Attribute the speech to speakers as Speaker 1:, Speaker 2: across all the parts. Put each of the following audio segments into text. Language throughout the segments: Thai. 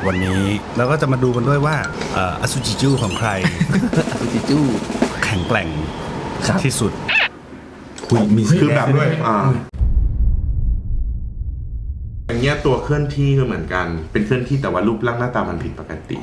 Speaker 1: วันนี้เราก็จะมาดูกันด้วยว่าอสุจิจูของใคร
Speaker 2: อสุจิจู
Speaker 1: แข็งแกร่ง
Speaker 2: ครับ
Speaker 1: ที่สุดมี
Speaker 3: คือแบบด้วยอย่างเงี้ยตัวเคลื่อนที่ก็เหมือนกันเป็นเคลื่อนที่แต่ว่ารูปร่างหน้าตามันผิดปกติ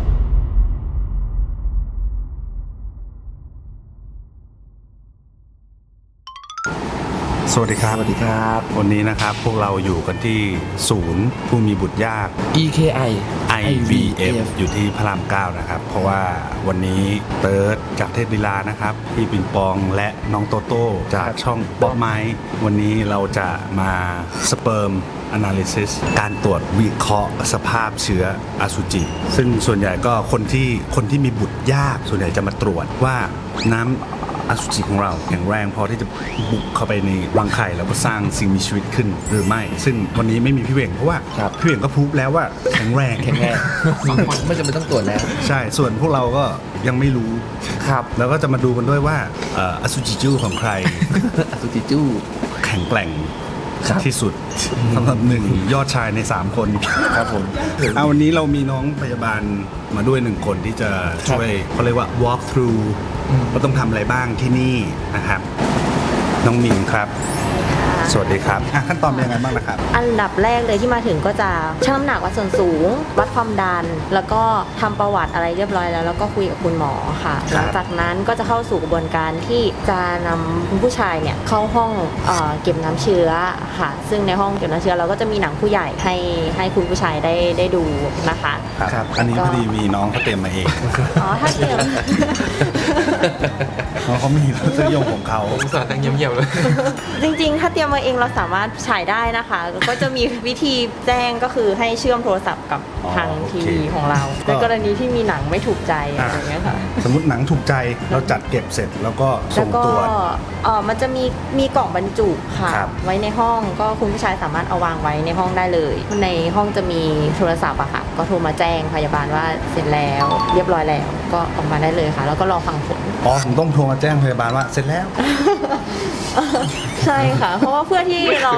Speaker 1: สวัสดีครับ
Speaker 2: สวัสดีครับ
Speaker 1: วันนี้นะครับพวกเราอยู่กันที่ศูนย์ผู้มีบุตรยาก
Speaker 2: EKI
Speaker 1: IVF อยู่ที่พระราม 9นะครับเพราะว่าวันนี้เติร์ดจากเทพลีลานะครับพี่ปิงปองและน้องโตโต้จากช่องบ๊อบไม้วันนี้เราจะมาสเปิร์มAnalysis การตรวจวิเคราะห์สภาพเชื้ออสุจิซึ่งส่วนใหญ่ก็คนที่มีบุตรยากส่วนใหญ่จะมาตรวจว่าน้ำอสุจิของเราแข็งแรงพอที่จะบุกเข้าไปในรังไข่แล้วก็สร้างสิ่งมีชีวิตขึ้นหรือไม่ซึ่งวันนี้ไม่มีพี่เหว่งเพราะว่าพี่เหว่งก็พูดแล้วว่าแข็งแรง
Speaker 2: ไม่จำเป็นต้องตรวจแล้ว
Speaker 1: ใช่ส่วนพวกเราก็ยังไม่รู้
Speaker 2: ครับ
Speaker 1: แล้วก็จะมาดูกันด้วยว่าอสุจิจูของใคร
Speaker 2: อสุจิจู
Speaker 1: แข็งแกร่ง
Speaker 2: ครับ
Speaker 1: ที่สุดสำหรับ1 ยอดชายใน 3 คน
Speaker 2: ครับผม
Speaker 1: เอาวันนี้เรามีน้องพยาบาลมาด้วย1 คนที่จะช่วยเขาเรียกว่า walk through ว่าต้องทำอะไรบ้างที่นี่นะครับน้องมินครับสวัสดีครับขั้นตอนเป็นยังไงบ้างนะครับ
Speaker 4: อันดับแรกเลยที่มาถึงก็จะชั่งน้ำหนักวัดส่วนสูง วัดความดัน แล้วก็ทำประวัติอะไรเรียบร้อยแล้วก็คุยกับคุณหมอค่ะ หลังจากนั้นก็จะเข้าสู่กระบวนการที่จะนำคุณผู้ชายเนี่ยเข้าห้องเก็บน้ำเชื้อค่ะ ซึ่งในห้องเก็บน้ำเชื้อเราก็จะมีหนังผู้ใหญ่ให้คุณผู้ชายได้ดูนะคะ
Speaker 1: ครับอันนี้พอดีมีน้องเขาเตรียมมาเอง
Speaker 4: อ๋อถ้าเตรียม
Speaker 1: น้องเขามีรสนิยมของเขา
Speaker 2: ผมสอนตั้งเงียบๆเลย
Speaker 4: จริงๆ ถ้าเตรียมมาเองเราสามารถฉายได้นะคะ ก็จะมีวิธีแจ้งก็คือให้เชื่อมโทรศัพท์กับทางทีวีของเราในกรณีที่มีหนังไม่ถูกใจอะไรอย่างเงี้ยค่ะ
Speaker 1: สมมติหนังถูกใจเราจัดเก็บเสร็จแล้วก็
Speaker 4: แล้
Speaker 1: ส่
Speaker 4: ว
Speaker 1: ง
Speaker 4: ก็
Speaker 1: ตรวจ
Speaker 4: มันจะมีกล่องบรรจุค่ะ
Speaker 1: ครับ
Speaker 4: ไว้ในห้องก็คุณผู้ชายสามารถเอาวางไว้ในห้องได้เลย ในห้องจะมีโทรศัพท์อะค่ะก็โทรมาแจ้งพยาบาลว่าเสร็จแล้วเรียบร้อยแล้วก็ออกมาได้เลยค่ะ แล้วก็รอฟังผล
Speaker 1: ผมต้องโทรมาแจ้งพยาบาลว่าเสร็จแล้ว
Speaker 4: ใช่ค่ะ เพราะว่าเพื่อที่เรา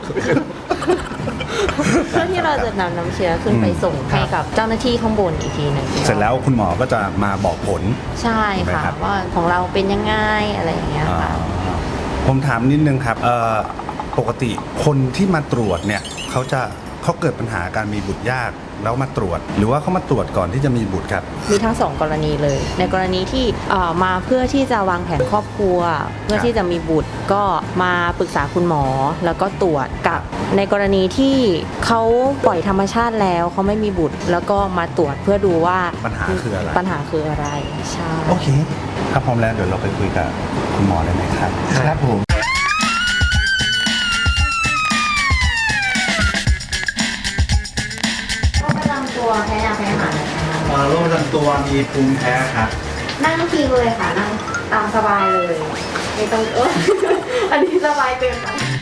Speaker 4: จะนำน้ำเชื้อขึ้นไปส่งให้กับเจ้าหน้าที่ข้างบนอีกทีหนึ่ง
Speaker 1: เสร็จแล้วคุณหมอก็จะมาบอกผล
Speaker 4: ใช่ค่ะ
Speaker 1: ครับ
Speaker 4: ว่าของเราเป็นยังไงอะไรอย่างเงี้ยค่ะ
Speaker 1: ผมถามนิดนึงครับปกติคนที่มาตรวจเนี่ยเขาเกิดปัญหาการมีบุตรยากแล้วมาตรวจ หรือว่าเขามาตรวจก่อนที่จะมีบุตรครับ
Speaker 4: มีทั้ง2 กรณีเลย ในกรณีที่มาเพื่อที่จะวางแผนครอบครัว เพื่อที่จะมีบุตรก็มาปรึกษาคุณหมอแล้วก็ตรวจกับในกรณีที่เขาปล่อยธรรมชาติแล้วเขาไม่มีบุตร แล้วก็มาตรวจเพื่อดูว่า
Speaker 1: ปัญหาคืออะไร
Speaker 4: ปัญหาคืออะไรใช่
Speaker 1: โอเคถ้าพร้อมแล้วเดี๋ยวเราไปคุยกับคุณหมอได้ไหมครับ
Speaker 2: ครับผม
Speaker 4: โรคประจำตัวแพ้ยาแพ้อาหารนะคะ
Speaker 1: โรคประจำตัวมีภูมิแพ้ครับ
Speaker 4: นั่งพิงเลยค่ะนั่งตามสบายเลยไม่ต้องอันนี้สบายเกินไป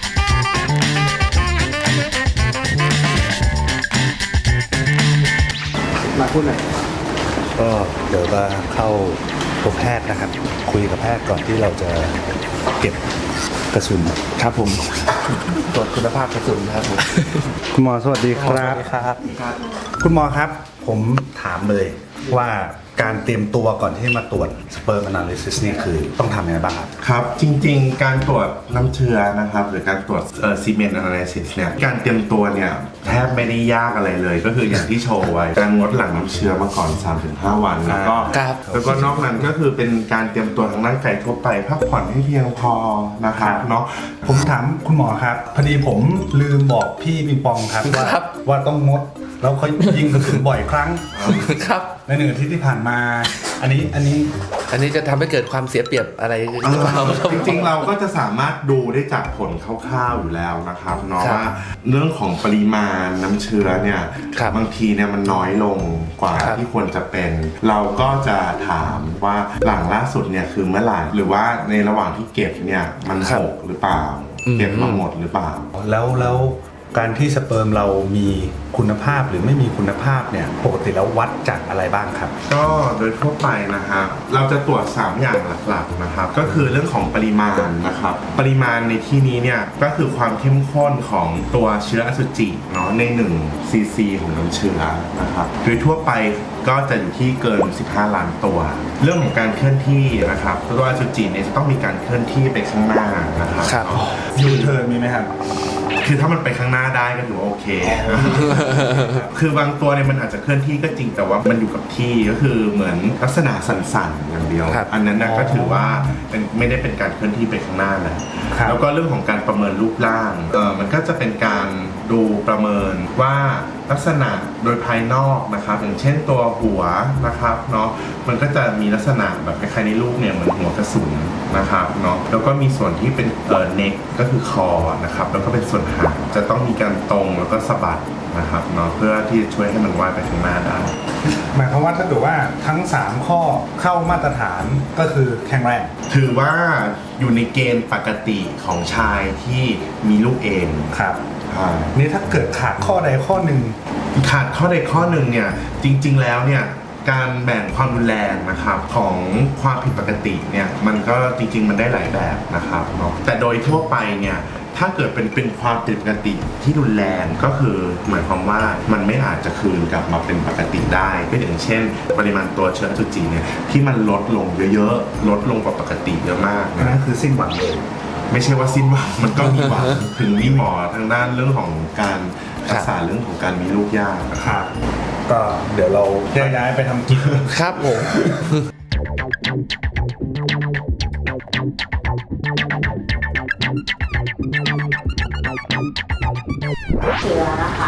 Speaker 2: มาพูดหน่อย
Speaker 1: ก็เดี๋ยวจะเข้าพบแพทย์นะครับ คุยกับแพทย์ก่อนที่เราจะเก็บกระสุน
Speaker 2: ครับผม ตรวจคุณภาพกระสุนครับผม
Speaker 1: คุณหมอสวัสดีครับ คุณหมอครับ ผมถามเลยว่าการเตรียมตัวก่อนที่มาตรวจ Sperm Analysis นี่คือต้องทำยังไงบ้างครับ
Speaker 3: ครับจริงๆการตรวจน้ำเชื้อนะครับหรือการตรวจSemen Analysis เนี่ยการเตรียมตัวเนี่ยแทบไม่ได้ยากอะไรเลย ก็คืออย่างที่โชว์ไว้การงดหลั่งน้ำเชื้อมาก่อน 3-5 วันแล้วก็
Speaker 2: ครับ
Speaker 3: แล้วก็นอกนั้นก็คือเป็นการเตรียมตัวทางร่างกายทั่วไปพักผ่อนให้เพียงพอนะครับเนาะ
Speaker 1: ผมถามคุณหมอครับพอดีผมลืมบอกพี่ปิงปองครับว่าต้องงดแล้วเขายิงกระสุนบ่อยครั้ง
Speaker 2: ครับ
Speaker 1: ใน1 อาทิตย์ที่ผ่านมา อันนี้
Speaker 2: จะทำให้เกิดความเสียเปรียบอะไรหรือเปล่า
Speaker 3: จริงๆเราก็จะสามารถดูได้จากผลคร่าวๆอยู่แล้วนะครับเนาะ
Speaker 2: ครับ
Speaker 3: ว่าเรื่องของปริมาณน้ำเชื้อเนี่ย
Speaker 2: ครับ
Speaker 3: บางทีเนี่ยมันน้อยลงกว่า
Speaker 2: ครับ
Speaker 3: ที่ควรจะเป็น เราก็จะถามว่าหลังล่าสุดเนี่ยคือเมื่อไหร่หรือว่าในระหว่างที่เก็บเนี่ยมันหกหรือเปล่า เก็บมาหมดหรือเปล่า
Speaker 1: แล้วการที่สเปิร์มเรามีคุณภาพหรือไม่มีคุณภาพเนี่ยปกติแล้ววัดจากอะไรบ้างครับ
Speaker 3: ก็โดยทั่วไปนะครับเราจะตรวจ 3 อย่างหลักๆนะครับก็คือเรื่องของปริมาณนะครับปริมาณในที่นี้เนี่ยก็คือความเข้มข้นของตัวเชื้ออสุจิเนาะใน1ซีซีของน้ำเชื้อนะครับโดยทั่วไปก็จะอยู่ที่เกิน15 ล้านตัวเรื่องของการเคลื่อนที่นะครับตัวอสุจิเนี่ยจะต้องมีการเคลื่อนที่ไปข้างหน้านะครับ
Speaker 2: ครับ
Speaker 1: ยูเทิร์นมีไหมครับ
Speaker 3: คือถ้ามันไปข้างหน้าได้ก็ถือว่าโอเค คือบางตัวเนี่ยมันอาจจะเคลื่อนที่ก็จริงแต่ว่ามันอยู่กับที่ก็คือเหมือนลักษณะสั่นๆอย่างเดียว
Speaker 2: ครับ
Speaker 3: อันนั้นนะก็ถือว่าไม่ได้เป็นการเคลื่อนที่ไปข้างหน้าแหละ
Speaker 1: ครับ
Speaker 3: แล้วก็เรื่องของการประเมินรูปร่างมันก็จะเป็นการดูประเมินว่าลักษณะโดยภายนอกนะครับอย่างเช่นตัวหัวนะครับเนาะมันก็จะมีลักษณะแบบคล้ายๆในรูปเนี่ยเหมือนหัวกระสุนนะครับเนาะแล้วก็มีส่วนที่เป็นเน็กก็คือคอนะครับแล้วก็เป็นส่วนหางจะต้องมีการตรงแล้วก็สะบัดนะครับเนาะเพื่อที่จะช่วยให้มันว่ายไปข้างหน้าได้
Speaker 1: หมายความว่าถ้าเกิดว่าทั้ง 3 ข้อเข้ามาตรฐานก็คือแข็งแรง
Speaker 3: ถือว่าอยู่ในเกณฑ์ปกติของชายที่มีลูกเอง
Speaker 1: ครับ
Speaker 3: อ่า
Speaker 1: นี่ถ้าเกิดขาดข้อใดข้อหนึ่ง
Speaker 3: ขาดข้อใดข้อหนึ่งเนี่ยจริงๆแล้วเนี่ยการแบ่งความรุนแรงนะครับของความผิดปกติเนี่ยมันก็จริงๆมันได้หลายแบบนะครับเนาะแต่โดยทั่วไปเนี่ยถ้าเกิดเป็นความผิดปกติที่รุนแรงก็คือหมายความว่ามันไม่อาจจะคืนกลับมาเป็นปกติได้ก็อย่างเช่น ปริมาณตัวเชื้ออสุจิเนี่ยที่มันลดลงเยอะๆลดลงกว่าปกติเยอะมาก
Speaker 1: นั่
Speaker 3: นะ
Speaker 1: นคือสิ้นหวังเลย
Speaker 3: ไม่ใช่ว่าสิ้นหวังมันก็มีหวัง ถึงมีหมอทางด้านเรื่องของการรักษาเรื่องของการมีลูกยาก
Speaker 1: ครับ ก็เดี๋ยวเราแยกย้ายไปทำกิจ
Speaker 2: ครับผม
Speaker 4: เชื้อนะคะ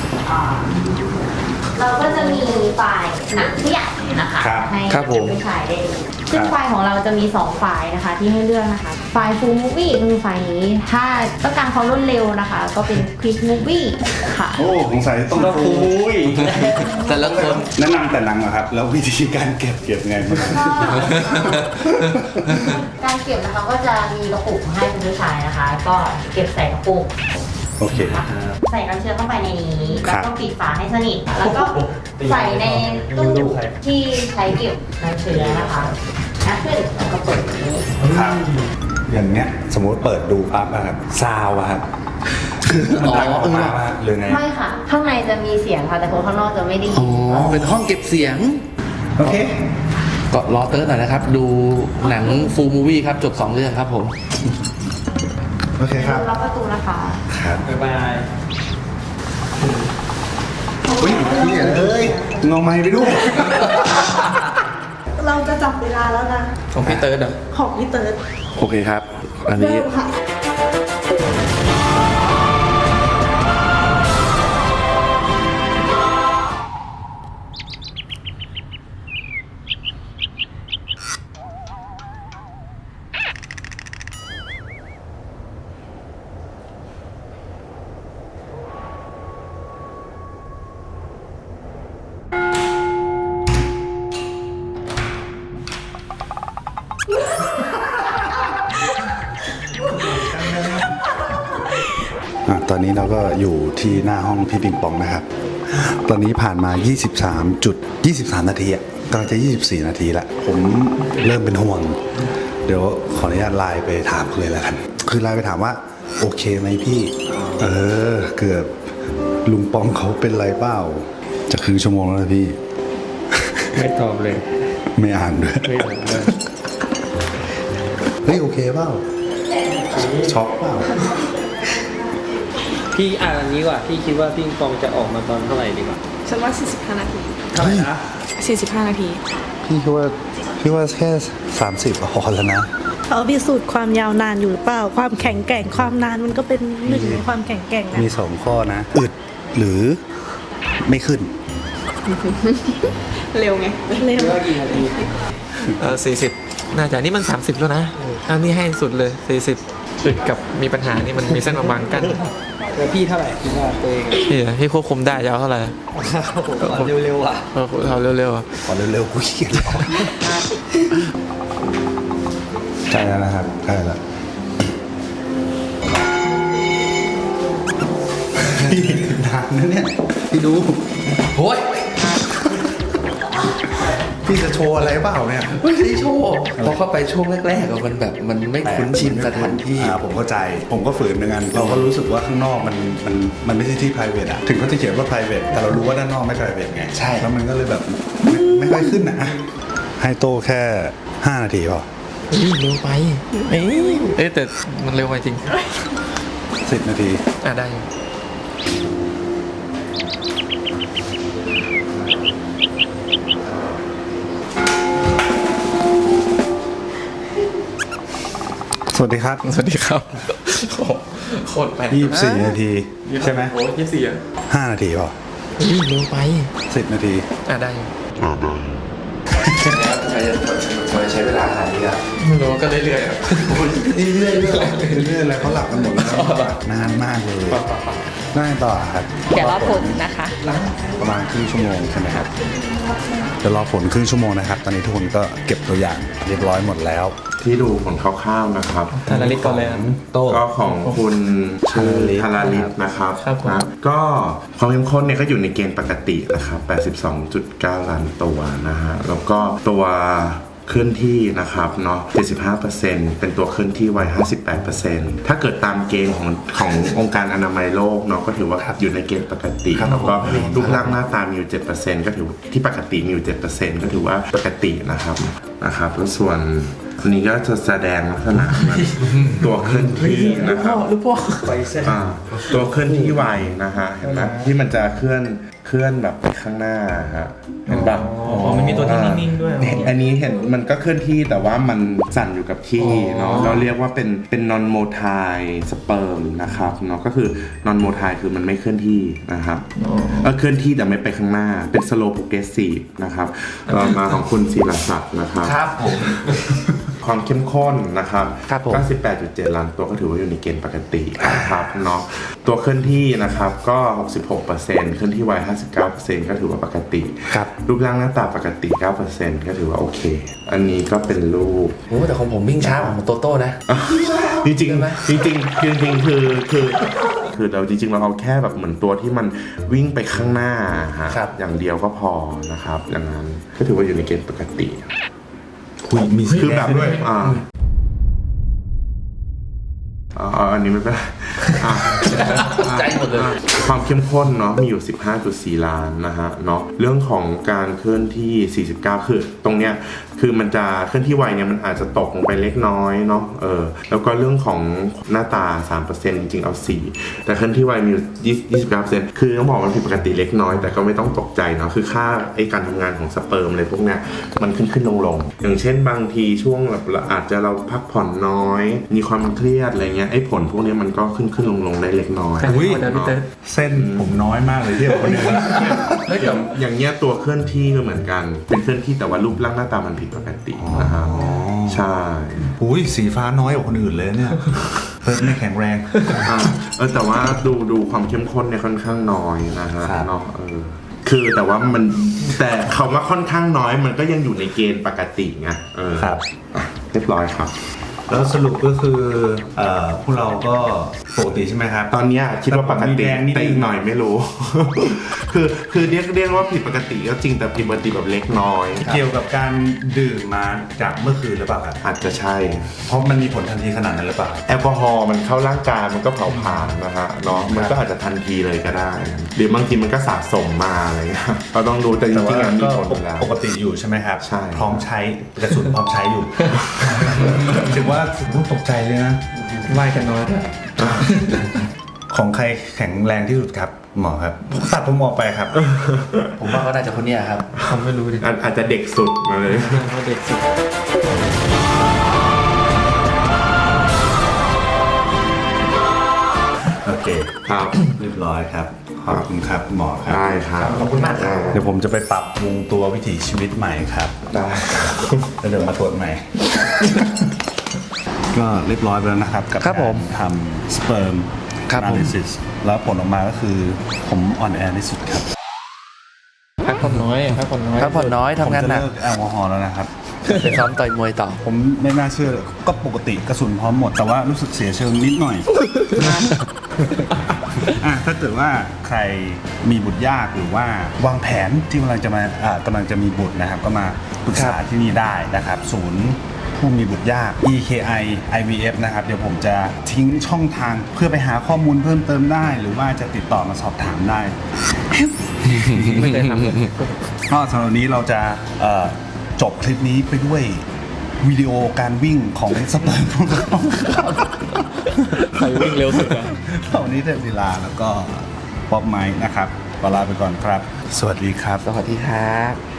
Speaker 4: เราก็จะมีไฟล์หนังผู้ใหญ่นะคะ
Speaker 1: ครับ
Speaker 4: ให้
Speaker 2: ครับผม
Speaker 4: ผู้ชายได้ดูซึ่งไฟล์ของเราจะมี2ไฟล์นะคะที่ให้เลือกนะคะไฟล์ Full Movie ก็คือไฟล์นี้ถ้าต้องการความรวดเร็วนะคะ ก็เป็น Quick Movie ค่ะ
Speaker 1: โอ้สงสัยต้องคุย
Speaker 2: แต่ละคน
Speaker 1: แนะนำแต่หนังเหรอครับ แล้ววิธีการเก็บไงบ้าง
Speaker 4: การเก็บนะคะก็จะมีกระปุกให้คุณผู้ชายนะคะ ก็เก็บใส่กระปุก
Speaker 1: โอเค
Speaker 4: ใส่น้ำเชื้อเข้าไปในนี้
Speaker 1: ครั
Speaker 4: แล้ว
Speaker 1: บ
Speaker 4: ก็ปิดฝาให้สนิท แล้วก็ใส่ในตู้ที่ใช้เก็บน้ำเชื้อนะคะนะขึ้นแล้วก็เปิดอย่างนี้
Speaker 1: ครับ อย่างเนี้ยสมมติเปิดดูปั๊บอะครับซาวอะครับมันดังออกมาว่าหรือไง
Speaker 4: ไม่ค่ะ ข้างในจะมีเสียงค่ะ แต่คนข้างนอกจะไม่ได้ยิ
Speaker 2: อ๋อ เป็นห้องเก็บเสียง
Speaker 1: โอเค
Speaker 2: ก็รอเติร์ดหน่อยนะครับ ดูหนังฟูลมูวี่ครับ จบ 2 เรื่องครับผม
Speaker 1: โอเคครับ
Speaker 4: ล็อกประตูนะคะ
Speaker 1: ครับ
Speaker 5: บ๊ายบาย
Speaker 1: อุ้ยนี่เอ้ยงอไม้ไปดู
Speaker 6: เราจะจับเวลาแล้วนะ
Speaker 2: ของพี่เติร์ดเหรอ
Speaker 6: ของพี่เติร์ด
Speaker 2: โอเคครับ อันนี้
Speaker 6: เริ่มค่ะ
Speaker 1: ตอนนี้เราก็อยู่ที่หน้าห้องพี่ปิงปองนะครับ ตอนนี้ผ่านมา 23 นาทีอะกำลังจะ 24 นาทีละ ผมเริ่มเป็นห่วง เดี๋ยวขออนุญาตไลน์ไปถามเขาเลยแล้วกัน คือไลน์ไปถามว่า โอเคไหมพี่ เกือบลุงปองเขาเป็นไรเปล่า จะครึ่งชั่วโมงแล้วนะพี่
Speaker 5: ไม่ตอบเลย
Speaker 1: ไม่อ่านด้วย
Speaker 5: ไม่ตอบเลย
Speaker 1: เฮ้ย โอเคเปล่า ช็อกเปล่า
Speaker 5: พี่อ่านอันนี้ดีกว่า พี่คิดว่าพี่ปิงปองจะออกมาตอนเท่าไหร่ดีกว่า
Speaker 6: ฉันว่า 45 นาที
Speaker 5: เท่าไหร่นะ
Speaker 6: 45 นาที
Speaker 1: พี่ว่าแค่ 30พอแล้วนะ
Speaker 6: เขาพิสูจน์ความยาวนานอยู่หรือเปล่า ความแข็งแกร่งความนานมันก็เป็นหนึ่งในความแข็งแกร่งนะ
Speaker 1: มี2ข้อนะ อึดหรือไม่ขึ้น
Speaker 6: เร็วไง เร็ว
Speaker 5: คิดว่ากี่นาที
Speaker 7: 40 น่าจะนี่มัน 30 แล้วนะ อันนี้ให้สุดเลย 40อึดกับมีปัญหานี่มันมีเส้นบางๆกัน
Speaker 5: แล้วพี่เท่าไหร่คิดว่าตัวเอง
Speaker 7: พี่ควบคุมได้จะเอาเท่าไหร่
Speaker 5: ขอเร็วๆอ่ะ
Speaker 7: เอาเร็วๆอะ
Speaker 1: ขอเร็วๆกูขี้เกียจรอใช่แล้วนะครับใช่แล้วนะเนี่ยพี่ดู
Speaker 2: โอ้ย
Speaker 1: พี่จะโชว์อะไรเปล่าเนี่ย
Speaker 2: ไม่ใช่โชว์พอเข้าไปช่วงแรกๆอะมันแบบมันไม่คุ้นชินสถานที่
Speaker 1: ผมเข้าใจผมก็ฝืนเหมือนกันเราก็รู้สึกว่าข้างนอกมันไม่ใช่ที่ private อะถึงเขาจะเขียนว่า private แต่เรารู้ว่าด้านนอกไม่ private ไง
Speaker 2: ใช่
Speaker 1: แล้วมันก็เลยแบบไม่ค่อยขึ้นนะให้โตแค่5 นาทีพอ
Speaker 7: เฮ้ยเร็วไปเอ้ยแต่มันเร็วไปจริง
Speaker 1: 10 นาที
Speaker 7: ได้อยู่
Speaker 1: สวัสดีครับ
Speaker 7: สวัสดีครับโคตรแปลก
Speaker 1: 24 นาทีใช่ไหม
Speaker 7: โอ้24อ่ะ
Speaker 1: 5 นาทีพอ
Speaker 7: เฮ้ยเร็วไป
Speaker 1: 10 นาที
Speaker 7: ได้อยู่
Speaker 2: แล้วทำไมใช้เวลาขนาดนี้อ่ะ
Speaker 7: ไม่รู้ก็เรื่อยๆอะ
Speaker 2: เรื่อยๆ
Speaker 1: เรื่อยๆอะไรเขาหลับกันหมดแล้วนานมากเลยได้ต่อครับ
Speaker 4: เดี๋ยวรอผลนะคะ
Speaker 1: ประมาณครึ่งชั่วโมงใช่ไหมครับเดี๋ยวรอผลครึ่งชั่วโมงนะครับ ตอนนี้ทุกคนก็เก็บตัวอย่างเรียบร้อยหมดแล้ว
Speaker 3: ที่ดูผลคร่าวๆนะครับ
Speaker 7: ธนาลิศก่อนเลยครับ
Speaker 1: โต้
Speaker 3: ก็ของคุณชื่อธาราลิศนะครับ
Speaker 7: ครับผม
Speaker 3: นะก็ความเข้มข้นเนี่ยก็อยู่ในเกณฑ์ปกตินะครับ 82.9 ล้านตัวนะฮะ แล้วก็ตัวเคลื่อนที่นะครับเนาะ 75% เป็นตัวเคลื่อนที่ไว 58%ถ้าเกิดตามเกณฑ์ขององค์การอนามัยโลกเนาะก็ถือว่าอยู่ในเกณฑ์ปกติ แล้วก็รูปร่างหน้าตามีอยู่ 7%ก็ถือที่ปกติมีอยู่ 7%ก็ถือว่าปกตินะครับแล้วส่วนอันนี้ก็จะแสดงลักษณะตัวเคลื่อนที่นะครับ
Speaker 7: ลูกพ่อ
Speaker 3: ตัวเคลื่อนที่ไวนะฮะเห็นไหมที่มันจะเคลื่อนแบบไปข้างหน้าฮะเห็นปะ
Speaker 7: มันมีตัวที่นิ่งๆด้วย
Speaker 3: อันนี้เห็นมันก็เคลื่อนที่แต่ว่ามันสั่นอยู่กับที่เนาะเราเรียกว่าเป็น non motile sperm นะครับเนาะก็คือ non motile คือมันไม่เคลื่อนที่นะครับเคลื่อนที่แต่ไม่ไปข้างหน้าเป็น slow progressive นะครับต่อมาของคุณศิลศักดิ์นะครับ
Speaker 2: ครับผม
Speaker 3: ความเข้มข้นนะครับ
Speaker 2: ครับผม
Speaker 3: 98.7 ล้านตัวก็ถือว่าอยู่ในเกณฑ์ปกตินะครับเนาะตัวเคลื่อนที่นะครับก็ 66%เคลื่อนที่ไว 59% ก็ถือว่าปกติ
Speaker 2: ครับ
Speaker 3: รูปร่างหน้าตาปกติ 9% ก็ถือว่าโอเค อันนี้ก็เป็นรูป
Speaker 2: โอ้แต่ของผมวิ่งช้ากว่าของโตโต้นะ
Speaker 3: จริงๆจริงๆคือเราจริงๆเราเอาแค่แบบเหมือนตัวที่มันวิ่งไปข้างหน้าฮะ
Speaker 2: ครับ
Speaker 3: อย่างเดียวก็พอนะครับอย่างนั้นก็ถือว่าอยู่ในเกณฑ์ปกติ
Speaker 1: มี
Speaker 3: คือแบบด้วยอันนี้ไม่เป็นไร
Speaker 2: ใจหมดเลย
Speaker 3: ความเข้มข้นเนาะมีอยู่ 15.4 ล้านนะฮะเนาะเรื่องของการเคลื่อนที่ 49 คือตรงเนี้ยคือมันจะเคลื่อนที่ไวเนี่ยมันอาจจะตกลงไปเล็กน้อยเนาะแล้วก็เรื่องของหน้าตา 3% จริงๆเอา 4 แต่เคลื่อนที่ไวมีอยู่29%คือต้องบอกมันผิดปกติเล็กน้อยแต่ก็ไม่ต้องตกใจเนาะคือค่าไอ้การทำงานของสเปิร์มอะไรพวกเนี้ยมันขึ้นลงอย่างเช่นบางทีช่วงแบบอาจจะเราพักผ่อนน้อยมีความเครียดอะไรเงี้ยไอ้ผลพวกนี้มันก็ขึ้นลงได้เล็กน้อย
Speaker 1: อุ้ย
Speaker 7: เดี๋ยวพี่เต้
Speaker 1: เส้นผมน้อยมากเลยเทียบกับคนอื่น
Speaker 3: แล้วอย่างเงี้ยตัวเคลื่อนที่ก็เหมือนกันเป็นเคลื่อนที่แต่ว่ารูปร่างหน้าตามันผิดปกตินะครับใช่
Speaker 1: อุ้ยสีฟ้าน้อยกว่าคนอื่นเลยเนี่ยเพิ่มไม่แข็งแรง
Speaker 3: แต่ว่าดูความเข้มข้นเนี่ยค่อนข้างน้อยนะฮะ
Speaker 1: ครับ
Speaker 3: เนาะคือแต่ว่าแต่คำว่าค่อนข้างน้อยมันก็ยังอยู่ในเกณฑ์ปกติไง
Speaker 1: ครับ
Speaker 3: เรียบร้อยครับ
Speaker 1: แล้วสรุปก็คือพวกเราก็ปกติใช่ไหมครับ
Speaker 3: ตอนเนี้ยคิดว่าปกติแต่อีกหน่อยไม่รู้ คือเรียกว่าผิดปกติก็จริงแต่ผิดปกติแบบเล็กน้อย
Speaker 1: เกี่ยวกับการดื่มมาจากเมื่อคืนหรือเปล่าครับ
Speaker 3: อาจจะใช่
Speaker 1: เพราะมันมีผลทันทีขนาดนั้นหรือเปล่า
Speaker 3: แอลกอฮอล์มันเข้าร่างกายมันก็เผาผลาญนะฮะเนาะมันก็อาจจะทันทีเลยก็ได้หรือบางทีมันก็สะสมมาอะไรเงี้ยเราต้องดูแต่จ
Speaker 1: แต่
Speaker 3: ริง
Speaker 1: ว่า
Speaker 3: ๆมันมี
Speaker 1: ก็
Speaker 3: ผลอยู่แล้ว
Speaker 1: ปกติอยู่ใช่ไหมครับ
Speaker 3: ใช่
Speaker 1: พร้อมใช้กระสุนพร้อมใช้อยู่ ถือว่าตกใจเลยนะ
Speaker 7: ไล่กันน้อยด้วย
Speaker 1: ของใครแข็งแรงที่สุดครับหมอครับตัดผมออกไปครับ
Speaker 2: ผมว่าก็น่าจะคนเนี้ยครับ
Speaker 7: ผมไม่รู้ดิ
Speaker 3: อาจจะเด็กสุดมาเลย
Speaker 7: เขาเด็กสุด
Speaker 1: โอเค
Speaker 3: ครับ
Speaker 1: เรียบร้อยครับขอบคุณครับหมอครับ
Speaker 3: ได้ครับ
Speaker 2: ขอบคุณมากครับ
Speaker 1: เดี๋ยวผมจะไปปรับปรุงตัววิถีชีวิตใหม่ครับ
Speaker 3: ได้
Speaker 1: แล้วเดี๋ยวมาตรวจใหม่ ก็เรียบร้อยไปแล้วนะครับกับ
Speaker 2: ครับผม
Speaker 1: การทำ sperm
Speaker 2: ครับผม
Speaker 1: analysis แล้วผลออกมาก็คือผมอ่อนแอที่สุดครับ
Speaker 7: พักผ่อนน้อยพักผ่อนน้อย
Speaker 2: พักผ่อนน้อย
Speaker 1: ผม
Speaker 2: ทำงาน
Speaker 1: จะ
Speaker 2: หนัก
Speaker 1: เลิกแอลกอฮอล์แล้วนะครับ
Speaker 2: ไปซ้อมต่อยมวยต่อ
Speaker 1: ผมไม่น่าเชื่อเลยก็ปกติกระสุนพร้อมหมด แต่ว่ารู้สึกเสียเชิงนิดหน่อยถ้าเกิดว่าใครมีบุตรยากหรือว่าวางแผนที่กำลังจะมีบุตรนะครับ ก็มาปรึกษาที่นี่ได้นะครับ ศูนย์ผู้มีบุตรยาก EKI IVF นะครับ เดี๋ยวผมจะทิ้งช่องทางเพื่อไปหาข้อมูลเพิ่มเติมได้ หรือว่าจะติดต่อมาสอบถามได้
Speaker 7: ไม่เคยทำเลย
Speaker 1: ก็สำหรับวันนี้เราจะจบคลิปนี้ไปด้วยวิดีโอการวิ่งของสเปิร์มของเรา
Speaker 7: ใครวิ่งเร็วสุดอะ
Speaker 1: วันนี้เทพลีลาแล้วก็ป๊อปไมค์นะครับขอลาไปก่อนครับ สวัสดีครับ
Speaker 2: สวัสดีครับ